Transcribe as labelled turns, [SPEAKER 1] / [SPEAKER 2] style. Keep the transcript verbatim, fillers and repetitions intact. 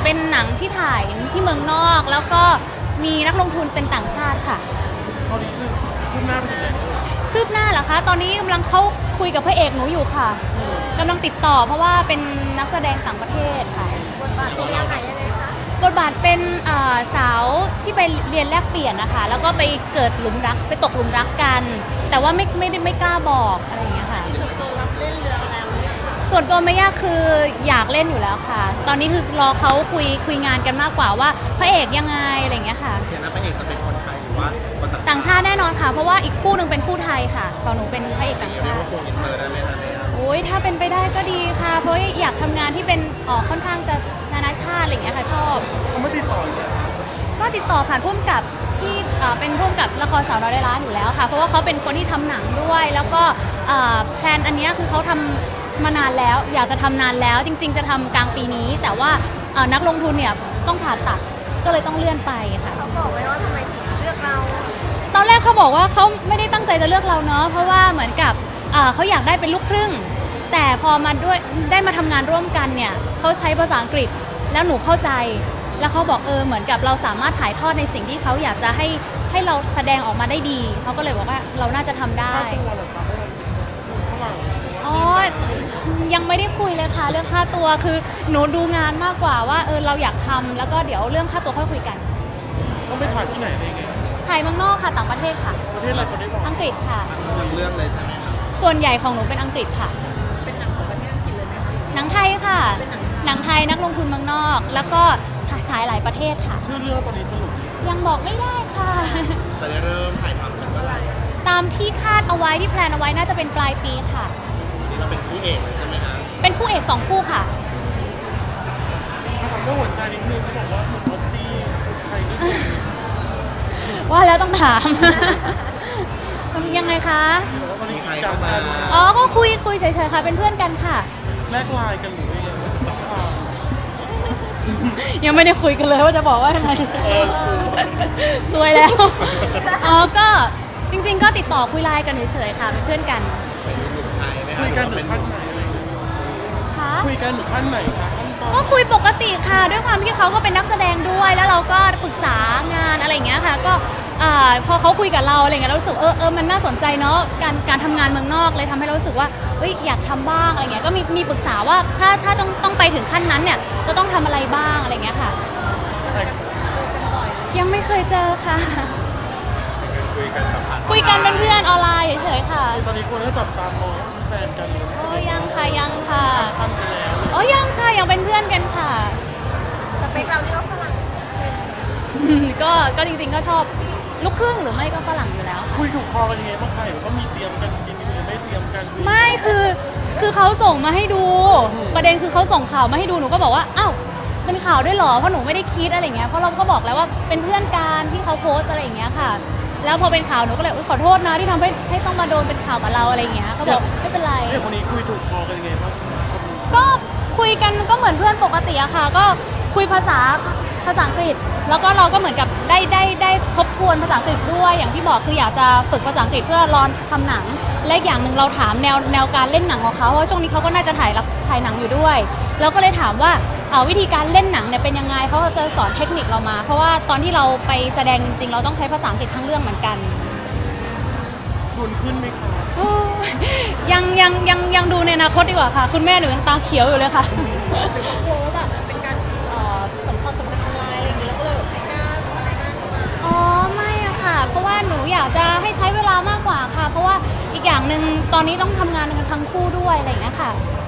[SPEAKER 1] เป็นหนังที่ถ่ายที่เมืองนอกแล้วก็มีนักลงทุนเป็นต่างชาติค่ะ
[SPEAKER 2] ตอนนี้คือคืบหน้าไปถึงไหน
[SPEAKER 1] คืบหน้าเหรอคะตอนนี้กำลังเข้าคุยกับพระเอกหนูอยู่ค่ะกำลังติดต่อเพราะว่าเป็นนักแสดงต่างประเทศค่ะ
[SPEAKER 3] บทบาทเป็นยังไงยังไงคะ
[SPEAKER 1] บทบาทเป็นสาวที่ไปเรียนแลกเปลี่ยนนะคะแล้วก็ไปเกิดหลุมรักไปตกหลุมรักกันแต่ว่าไม่ไม่ได้ไม่กล้าบอกอะไรอย่างเงี้ยค่ะ
[SPEAKER 3] ส่วนตัวรับเล่นเรื่องแล้วเนี่ย
[SPEAKER 1] ส่วนตัวไม่ยากคืออยากเล่นอยู่แล้วค่ะตอนนี้คือรอเขาคุยคุยงานกันมากกว่าว่าพระเอกยังไงอะไรอย่างเงี้ยค่ะ
[SPEAKER 2] เห็นนะพระเอกจะเป็นคนไทยหรือว่าคน
[SPEAKER 1] ต่างชาติแน่นอนค่ะเพราะว่าอีกคู่หนึ่งเป็นคู่ไทยค่ะของหนูเป็นพระเอกต่างชาติ
[SPEAKER 2] ว่าคงอินเตอร์ได้ไหมคะเนี่ย
[SPEAKER 1] โอ้ยถ้าเป็นไปได้ก็ดีค่ะเพราะอยากทำงานที่เป็นออกค่อนข้างจะนานาชาติอะไรอย่างเงี้ยค่ะชอบ
[SPEAKER 2] เขาไม่ติดต่อเลย
[SPEAKER 1] ก็ติดต่อผ่านพุ่มกับที่เป็นพุ่มกับละครสาวน้อยร้อยล้านอยู่แล้วค่ะเพราะว่าเขาเป็นคนที่ทำหนังด้วยแล้วก็แพลนอันนี้คือเขาทำมานานแล้วอยากจะทำนานแล้วจริงๆจะทำกลางปีนี้แต่ว่านักลงทุนเนี่ยต้องผ่าตัดก็เลยต้องเลื่อนไปค่ะ
[SPEAKER 3] เขาบอกไว้ว่าทำไมถึงเลือกเรา
[SPEAKER 1] ตอนแรกเขาบอกว่าเขาไม่ได้ตั้งใจจะเลือกเราเนาะเพราะว่าเหมือนกับเขาอยากได้เป็นลูกครึ่งแต่พอมาด้วยได้มาทำงานร่วมกันเนี่ยเขาใช้ภาษาอังกฤษแล้วหนูเข้าใจแล้วเขาบอกเออเหมือนกับเราสามารถถ่ายทอดในสิ่งที่เขาอยากจะให้ให้เราแสดงออกมาได้ดีเขาก็เลยบอกว่าเราน่าจะทำได้อ๋อยังไม่ได้คุยเลยค่ะเรื่องค่าตัวคือหนูดูงานมากกว่าว่าเออเราอยากทำแล้วก็เดี๋ยวเรื่องค่าตัวค่อยคุยกัน
[SPEAKER 2] ต้องไปถ่ายที่ไหนได้ไง
[SPEAKER 1] ถ่ายเมืองนอกค่ะต่างประเทศค่ะ
[SPEAKER 2] ประเทศอะไรประเทศ
[SPEAKER 1] อังกฤษค่ะ
[SPEAKER 2] ทั้งเรื่องเลยใช่ไหมครับ
[SPEAKER 1] ส่วนใหญ่ของหนูเป็นอังกฤษค่ะ
[SPEAKER 3] เป็นหนังของประเทศอังกฤษเลยไหมคะ
[SPEAKER 1] หนังไทยค่ะหนังไทยนักลงทุนเมืองนอกแล้วก็ฉายหลายประเทศค่ะ
[SPEAKER 2] ชื่อเรื่องตอนนี้สรุป
[SPEAKER 1] ยังบอกไม่ได้ค่ะ
[SPEAKER 2] จะได้เริ่มถ่ายทำกันเมื่อไหร่
[SPEAKER 1] ตามที่คาดเอาไว้ที่แพลนเอาไว้น่าจะเป็นปลายปีค่ะ
[SPEAKER 2] นี่เราเป็นคู่เอกเลยใช่ไหมคะ
[SPEAKER 1] เป็นคู่เอกสองคู่ค่ะ
[SPEAKER 2] ถ้าทำเรื่องหัวใจนิดนึงเขาบอกว่าหนุ่มออสซี่ไทยนี่
[SPEAKER 1] ว่าแล้วต้องถามยังไงคะ
[SPEAKER 2] ตอนนี้ใครเข้ามา
[SPEAKER 1] อ๋อก็คุยคุยเฉยๆค่ะเป็นเพื่อนกันค่ะ
[SPEAKER 2] แลกไลน์กันหรือยัง
[SPEAKER 1] ยังไม่ได้คุยกันเลยว่าจะบอกว่ายังไงสวยแล้วอ๋อก็จริงๆก็ติดต่อคุยไลน์กันเฉยๆค่ะเป็นเพื่อนกัน
[SPEAKER 2] คุยกันถึงขั้นไหน
[SPEAKER 1] คะ
[SPEAKER 2] คุยกันถึงขั้นไหนคะ
[SPEAKER 1] ก็คุยปกติค่ะด้วยความที่เขาก็เป็นนักแสดงด้วยแล้วเราก็ปรึกษางานอะไรอย่างเงี้ยค่ะก็พอเขาคุยกับเราอะไรเงี้ยเรารู้สึกเออเออมันน่าสนใจเนาะการการทำงานเมืองนอกเลยทำให้เรารู้สึกว่าเอ้ยอยากทำบ้างอะไรเงี้ยก็มีมีปรึกษาว่าถ้าถ้าต้องต้องไปถึงขั้นนั้นเนี่ยจะต้องทำอะไรบ้างอะไรเงี้ยค่ะยังไม่เคยเจอค่ะ
[SPEAKER 2] คุยกัน
[SPEAKER 1] คุยกันเป็นเพื่อนออนไลน์เฉยๆค่ะ
[SPEAKER 2] ตอนนี้คนก็จับตามองแฟนกันเลย
[SPEAKER 1] โอ้ยังค่ะยังค่ะ
[SPEAKER 2] ทำไปแล้ว
[SPEAKER 1] โอ้ยังค่ะยังเป็นเพื่อนกันค่ะ
[SPEAKER 3] สเปคเราที่เขาฝรั่ง
[SPEAKER 1] ก็ก็จริงๆก็ชอบลูกครึ่งหรือไม่ก็ฝรั่งอยู่แล้ว
[SPEAKER 2] คุยถูกคอกันยังไงบ้างใครก็มีเตรียมกันกินมีไม่เตรียมกัน
[SPEAKER 1] ไม่คือคือเขาส่งมาให้ดูประเด็นคือเขาส่งข่าวมาให้ดูหนูก็บอกว่าอ้าวเป็นข่าวด้วยเหรอเพราะหนูไม่ได้คิดอะไรเงี้ยเพราะเราก็บอกแล้วว่าเป็นเพื่อนกันที่เขาโพสอะไรอย่างเงี้ยค่ะแล้วพอเป็นข่าวหนูก็เลยขอโทษนะที่ทำให้ให้ต้องมาโดนเป็นข่าวกับเราอะไรเงี้ยเขาบอกไม่เป็นไร
[SPEAKER 2] เรื่องคนนี้คุยถูกคอกันยังไงบ้าง
[SPEAKER 1] ก็คุยกันก็เหมือนเพื่อนปกติอะค่ะก็คุยภาษาภาษาอังกฤษแล้วก็เราก็เหมือนกับได้ได้ได้ทบทวนภาษาอังกฤษด้วยอย่างที่บอกคืออยากจะฝึกภาษาอังกฤษเพื่อรอทำหนังและอย่างหนึ่งเราถามแนวแนวการเล่นหนังของเขาเพราะช่วงนี้เขาก็น่าจะถ่ายถ่ายหนังอยู่ด้วยเราก็เลยถามว่าวิธีการเล่นหนังเนี่ยเป็นยังไงเขาจะสอนเทคนิคเรามาเพราะว่าตอนที่เราไปแสดงจริงๆเราต้องใช้ภาษาอังกฤษทั้งเรื่องเหมือนกัน
[SPEAKER 2] ดุนขึ้นไหมคะ
[SPEAKER 1] ยังยังยังยังดูในอนาคตดีกว่าค่ะคุณแม่หนูยังตาเขียวอยู่เลยค่ะ
[SPEAKER 3] กลัวว่าแบบเป็นการสัมพันธ์สัมพันธ์ทางไลน์อะไรอย่างเงี้ยแล้วก็เลยแบบไม่กล้าอะไรมากเข้ามา
[SPEAKER 1] อ๋อไม่อะค่ะเพราะว่าหนูอยากจะให้ใช้เวลามากกว่าค่ะเพราะว่าอีกอย่างหนึ่งตอนนี้ต้องทำงานกันทั้งคู่ด้วยอะไรอย่างเงี้ยค่ะ